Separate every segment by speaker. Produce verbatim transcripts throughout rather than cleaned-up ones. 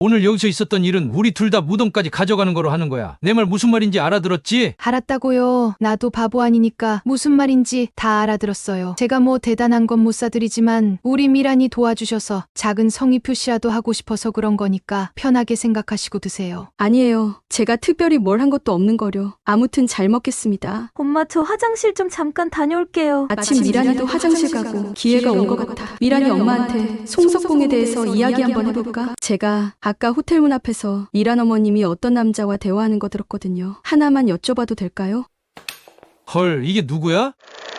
Speaker 1: 오늘 여기서 있었던 일은 우리 둘 다 무덤까지 가져가는 거로 하는 거야. 내 말 무슨 말인지 알아들었지?
Speaker 2: 알았다고요. 나도 바보 아니니까 무슨 말인지 다 알아들었어요. 제가 뭐 대단한 건 못 사드리지만 우리 미란이 도와주셔서 작은 성의 표시라도 하고 싶어서 그런 거니까 편하게 생각하시고 드세요.
Speaker 3: 아니에요. 제가 특별히 뭘 한 것도 없는 거려. 아무튼 잘 먹겠습니다.
Speaker 4: 엄마, 저 화장실 좀 잠깐 다녀올게요.
Speaker 3: 아침 미란이도 화장실 가고 기회가 온 것 같아. 미란이 엄마한테 송석봉에 대해서 이야기 한번 해볼까? 제가 아까 호텔 문 앞에서 미란 어머님이 어떤 남자와 대화하는 거 들었거든요. 하나만 여쭤봐도 될까요?
Speaker 1: 헐, 이게 누구야?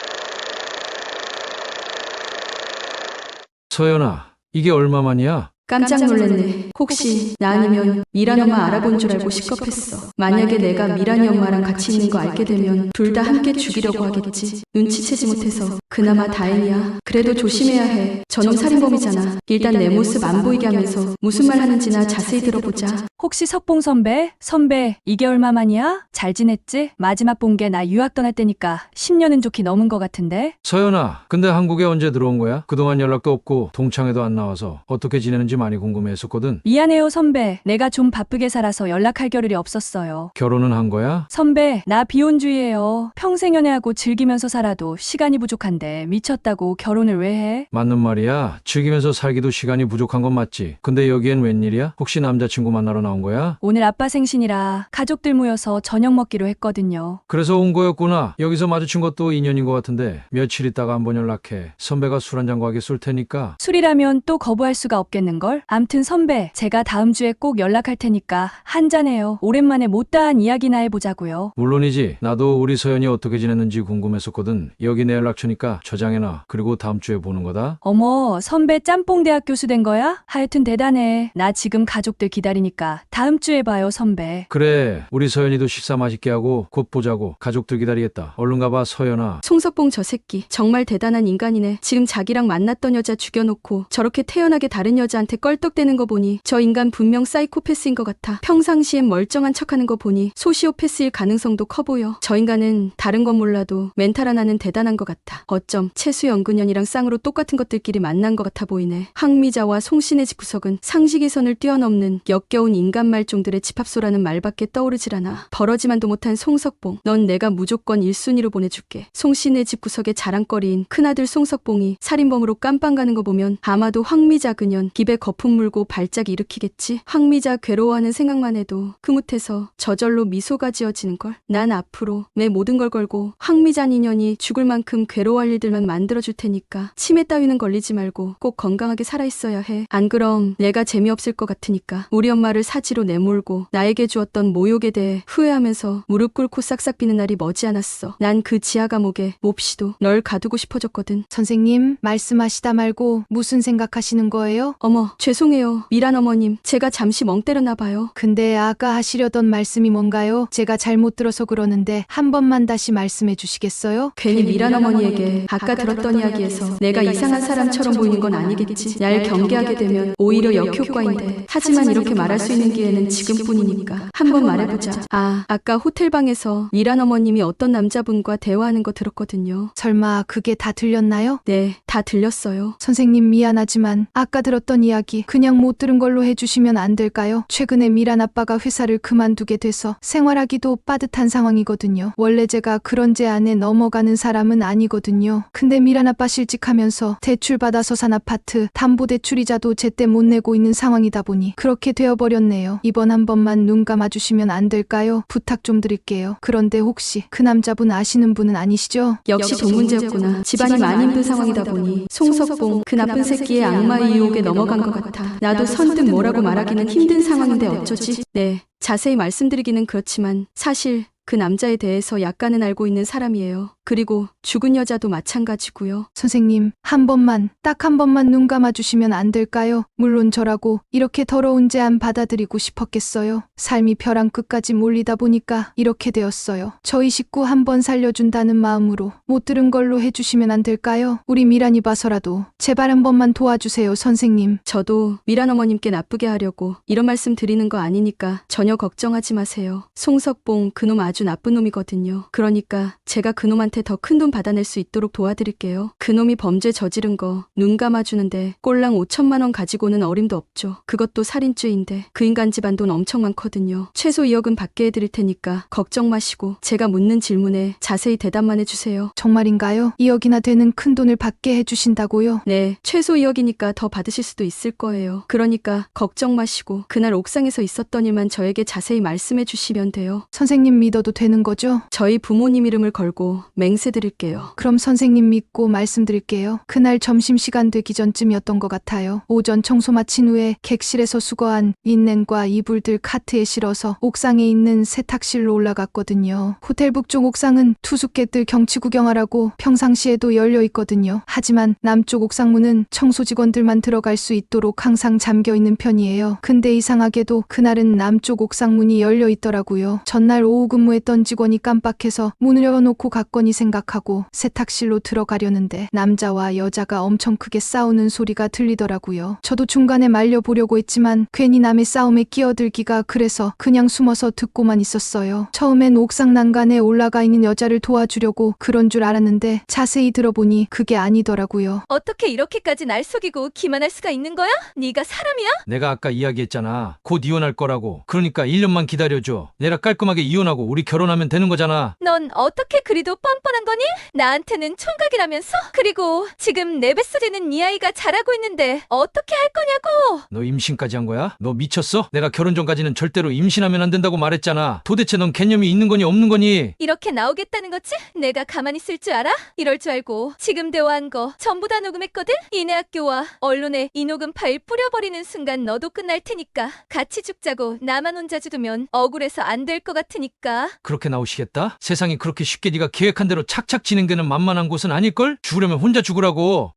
Speaker 1: 서연아, 이게 얼마만이야?
Speaker 3: 깜짝 놀랐네. 혹시 나 아니면 미란 엄마 알아본 줄 알고 시겁했어. 만약에 내가 미란이 엄마랑 같이 있는 거 알게 되면 둘 다 함께 죽이려고 하겠지. 눈치채지 못해서 그나마 다행이야. 그래도 조심해야 해. 저놈 살인범이잖아. 일단 내 모습 안 보이게 하면서 무슨 말 하는지나 자세히 들어보자.
Speaker 5: 혹시 석봉 선배? 선배, 이게 얼마만이야? 잘 지냈지? 마지막 본 게 나 유학 떠날 때니까 십 년은 좋게 넘은 것 같은데?
Speaker 1: 서연아, 근데 한국에 언제 들어온 거야? 그동안 연락도 없고 동창회도 안 나와서 어떻게 지내는지 많이 궁금해했었거든.
Speaker 5: 미안해요, 선배. 내가 좀 바쁘게 살아서 연락할 겨를이 없었어요.
Speaker 1: 결혼은 한 거야?
Speaker 5: 선배, 나 비혼주의예요. 평생 연애하고 즐기면서 살아도 시간이 부족한데 미쳤다고 결혼을 왜 해?
Speaker 1: 맞는 말이야. 즐기면서 살기도 시간이 부족한 건 맞지. 근데 여기엔 웬일이야? 혹시 남자친구 만나러 나온 거야?
Speaker 5: 오늘 아빠 생신이라 가족들 모여서 저녁 먹기로 했거든요.
Speaker 1: 그래서 온 거였구나. 여기서 마주친 것도 인연인 것 같은데 며칠 있다가 한번 연락해. 선배가 술 한잔 과하게 쏠 테니까.
Speaker 5: 술이라면 또 거부할 수가 없겠는걸? 암튼 선배, 제가 다음 주에 꼭 연락할 테니까 한잔해요. 오랜만에 못다한 이야기나 해보자고요.
Speaker 1: 물론이지. 나도 우리 서연이 어떻게 지냈는지 궁금했었거든. 여기 내 연락처니까 저장해놔. 그리고 다음 주에 보는 거다.
Speaker 5: 어머, 선배 짬뽕 대학 교수 된 거야? 하여튼 대단해. 나 지금 가족들 기다리니까 다음 주에 봐요, 선배.
Speaker 1: 그래, 우리 서연이도 식사 맛있게 하고 곧 보자고. 가족들 기다리겠다. 얼른 가봐, 서연아.
Speaker 3: 송석봉 저 새끼 정말 대단한 인간이네. 지금 자기랑 만났던 여자 죽여놓고 저렇게 태연하게 다른 여자한테 껄떡대는 거 보니 저 인간 분명 사이코패스인 것 같아. 평상시엔 멀쩡한 척하는 거 보니 소시오패스일 가능성도 커 보여. 저 인간은 다른 건 몰라도 멘탈 하나는 대단한 것 같아. 어쩜 채수연근연이랑 쌍으로 똑같은 것들끼리 만난 것 같아 보이네. 황미자와 송신의 집구석은 상식의 선을 뛰어넘는 역겨운 인간 말종들의 집합소라는 말밖에 떠오르질 않아. 벌어지만도 못한 송석봉, 넌 내가 무조건 일 순위로 보내줄게. 송신의 집구석의 자랑거리인 큰아들 송석봉이 살인범으로 깜빵 가는 거 보면 아마도 황미자 그년 입에 거품 물고 발작 일으키겠지. 황미자 괴로워하는 생각만 해도 흐뭇해서 저절로 미소가 지어지는걸. 난 앞으로 내 모든 걸 걸고 황미자 인연이 죽을 만큼 괴로워할 일들만 만들어줄 테니까 치매 따위는 걸리지 말고 꼭 건강하게 살아있어야 해. 안 그럼 내가 재미없을 것 같으니까. 우리 엄마를 사지로 내몰고 나에게 주었던 모욕에 대해 후회하면서 무릎 꿇고 싹싹 비는 날이 머지않았어. 난 그 지하 감옥에 몹시도 널 가두고 싶어졌거든.
Speaker 2: 선생님, 말씀하시다 말고 무슨 생각하시는 거예요?
Speaker 3: 어머, 죄송해요. 미란 어머님, 제가 잠시 멍 때렸나 봐요.
Speaker 2: 근데 아까 하시려던 말씀이 뭔가요? 제가 잘못 들어서 그러는데 한 번만 다시 말씀해 주시겠어요?
Speaker 3: 괜히 미란 어머니에게 아까 들었던 이야기에서 내가 이상한 사람처럼 보이는 건 아니겠지. 날 경계하게 되면 오히려 역효과인데. 하지만 이렇게 말할 수 있는 기회는 지금뿐이니까 한번 말해보자. 아, 아까 호텔방에서 미란 어머님이 어떤 남자분과 대화하는 거 들었거든요.
Speaker 2: 설마 그게 다 들렸나요?
Speaker 3: 네, 다 들렸어요.
Speaker 2: 선생님, 미안하지만 아까 들었던 이야기 그냥 못 들은 걸로 해주시면 안 될까요? 최근에 미란 아빠가 회사를 그만두게 돼서 생활하기도 빠듯한 상황이거든요. 원래 제가 그런 제 안에 넘어가는 사람은 아니거든요. 근데 미란 아빠 실직하면서 대출받아서 산 아파트 담보대출이자도 제때 못 내고 있는 상황이다 보니 그렇게 되어버렸네요. 이번 한 번만 눈 감아주시면 안 될까요? 부탁 좀 드릴게요. 그런데 혹시 그 남자분 아시는 분은 아니시죠?
Speaker 3: 역시 돈 문제였구나. 집안이 많이 힘든 상황이다 보니 송석봉 그 나쁜 새끼의 악마의 유혹에 넘어간 것 같아. 나도 선뜻 뭐라고 말하기는 힘든 상황인데 어쩌지? 네, 자세히 말씀드리기는 그렇지만 사실 그 남자에 대해서 약간은 알고 있는 사람이에요. 그리고 죽은 여자도 마찬가지고요.
Speaker 2: 선생님, 한 번만, 딱 한 번만 눈 감아주시면 안 될까요? 물론 저라고 이렇게 더러운 제안 받아들이고 싶었겠어요. 삶이 벼랑 끝까지 몰리다 보니까 이렇게 되었어요. 저희 식구 한 번 살려준다는 마음으로 못 들은 걸로 해주시면 안 될까요? 우리 미란이 봐서라도 제발 한 번만 도와주세요, 선생님.
Speaker 3: 저도 미란 어머님께 나쁘게 하려고 이런 말씀 드리는 거 아니니까 전혀 걱정하지 마세요. 송석봉 그놈 아주 나쁜 놈이거든요. 그러니까 제가 그놈한테 그놈한테 더 큰 돈 받아낼 수 있도록 도와드릴게요. 그놈이 범죄 저지른 거 눈 감아주는데 꼴랑 오천만 원 가지고는 어림도 없죠. 그것도 살인죄인데 그 인간 집안 돈 엄청 많거든요. 최소 이억은 받게 해드릴 테니까 걱정 마시고 제가 묻는 질문에 자세히 대답만 해주세요.
Speaker 2: 정말인가요? 이억이나 되는 큰 돈을 받게 해주신다고요?
Speaker 3: 네, 최소 이억이니까 더 받으실 수도 있을 거예요. 그러니까 걱정 마시고 그날 옥상에서 있었던 일만 저에게 자세히 말씀해 주시면 돼요.
Speaker 2: 선생님 믿어도 되는 거죠?
Speaker 3: 저희 부모님 이름을 걸고 맹세 드릴게요.
Speaker 2: 그럼 선생님 믿고 말씀드릴게요. 그날 점심시간 되기 전쯤이었던 것 같아요. 오전 청소 마친 후에 객실에서 수거한 린넨과 이불들 카트에 실어서 옥상에 있는 세탁실로 올라갔거든요. 호텔 북쪽 옥상은 투숙객들 경치 구경하라고 평상시에도 열려 있거든요. 하지만 남쪽 옥상문은 청소 직원들만 들어갈 수 있도록 항상 잠겨 있는 편이에요. 근데 이상하게도 그날은 남쪽 옥상문이 열려 있더라고요. 전날 오후 근무했던 직원이 깜빡해서 문을 열어놓고 갔거니 생각하고 세탁실로 들어가려는데 남자와 여자가 엄청 크게 싸우는 소리가 들리더라고요. 저도 중간에 말려보려고 했지만 괜히 남의 싸움에 끼어들기가 그래서 그냥 숨어서 듣고만 있었어요. 처음엔 옥상 난간에 올라가 있는 여자를 도와주려고 그런 줄 알았는데 자세히 들어보니 그게 아니더라고요.
Speaker 6: 어떻게 이렇게까지 날 속이고 기만할 수가 있는 거야? 네가 사람이야?
Speaker 1: 내가 아까 이야기했잖아. 곧 이혼할 거라고. 그러니까 일 년만 기다려줘. 내가 깔끔하게 이혼하고 우리 결혼하면 되는 거잖아.
Speaker 6: 넌 어떻게 그리도 뻔뻔한 거니? 나한테는 총각이라면서? 그리고 지금 내 뱃속에 있는 이 아이가 자라고 있는데 어떻게 할 거냐고!
Speaker 1: 너 임신까지 한 거야? 너 미쳤어? 내가 결혼 전까지는 절대로 임신하면 안 된다고 말했잖아. 도대체 넌 개념이 있는 거니 없는 거니?
Speaker 6: 이렇게 나오겠다는 거지? 내가 가만히 있을 줄 알아? 이럴 줄 알고 지금 대화한 거 전부 다 녹음했거든? 이내 학교와 언론에 이 녹음 파일 뿌려버리는 순간 너도 끝날 테니까 같이 죽자고 나만 혼자 죽으면 억울해서 안 될 것 같으니까.
Speaker 1: 그렇게 나오시겠다? 세상이 그렇게 쉽게 네가 계획한 대로 착착 진행되는 만만한 곳은 아닐걸? 죽으려면 혼자 죽으라고.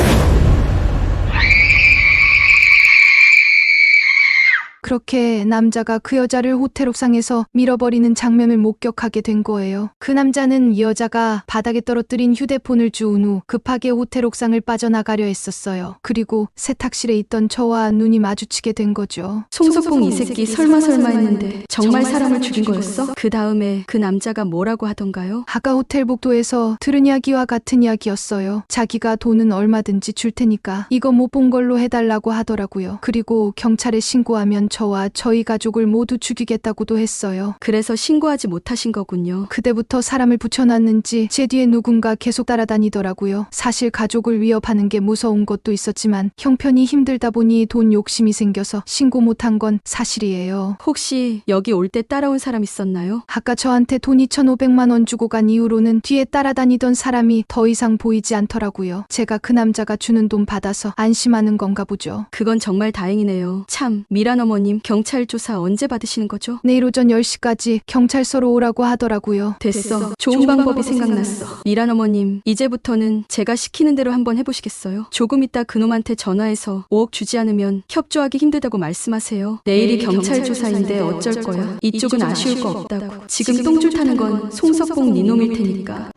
Speaker 2: 그렇게 남자가 그 여자를 호텔 옥상에서 밀어버리는 장면을 목격하게 된 거예요. 그 남자는 이 여자가 바닥에 떨어뜨린 휴대폰을 주운 후 급하게 호텔 옥상을 빠져나가려 했었어요. 그리고 세탁실에 있던 저와 눈이 마주치게 된 거죠.
Speaker 3: 송석봉 이 새끼 설마 설마 했는데 정말 사람을 죽인 거였어? 그 다음에 그 남자가 뭐라고 하던가요?
Speaker 2: 아까 호텔 복도에서 들은 이야기와 같은 이야기였어요. 자기가 돈은 얼마든지 줄 테니까 이거 못 본 걸로 해달라고 하더라고요. 그리고 경찰에 신고하면 저와 저희 가족을 모두 죽이겠다고도 했어요.
Speaker 3: 그래서 신고하지 못하신 거군요.
Speaker 2: 그때부터 사람을 붙여놨는지 제 뒤에 누군가 계속 따라다니더라고요. 사실 가족을 위협하는 게 무서운 것도 있었지만 형편이 힘들다 보니 돈 욕심이 생겨서 신고 못한 건 사실이에요.
Speaker 3: 혹시 여기 올 때 따라온 사람 있었나요?
Speaker 2: 아까 저한테 돈 이천오백만 원 주고 간 이후로는 뒤에 따라다니던 사람이 더 이상 보이지 않더라고요. 제가 그 남자가 주는 돈 받아서 안심하는 건가 보죠.
Speaker 3: 그건 정말 다행이네요. 참, 미란 어머님 경찰 조사 언제 받으시는 거죠?
Speaker 2: 내일 오전 열 시까지 경찰서로 오라고 하더라고요.
Speaker 3: 됐어. 좋은 방법이 생각났어. 미란 어머님, 이제부터는 제가 시키는 대로 한번 해보시겠어요? 조금 있다 그놈한테 전화해서 오억 주지 않으면 협조하기 힘들다고 말씀하세요. 내일이 경찰 조사인데 어쩔 거야? 이쪽은 아쉬울 거 없다고. 지금 똥줄 타는 건 송석봉 니놈일 테니까.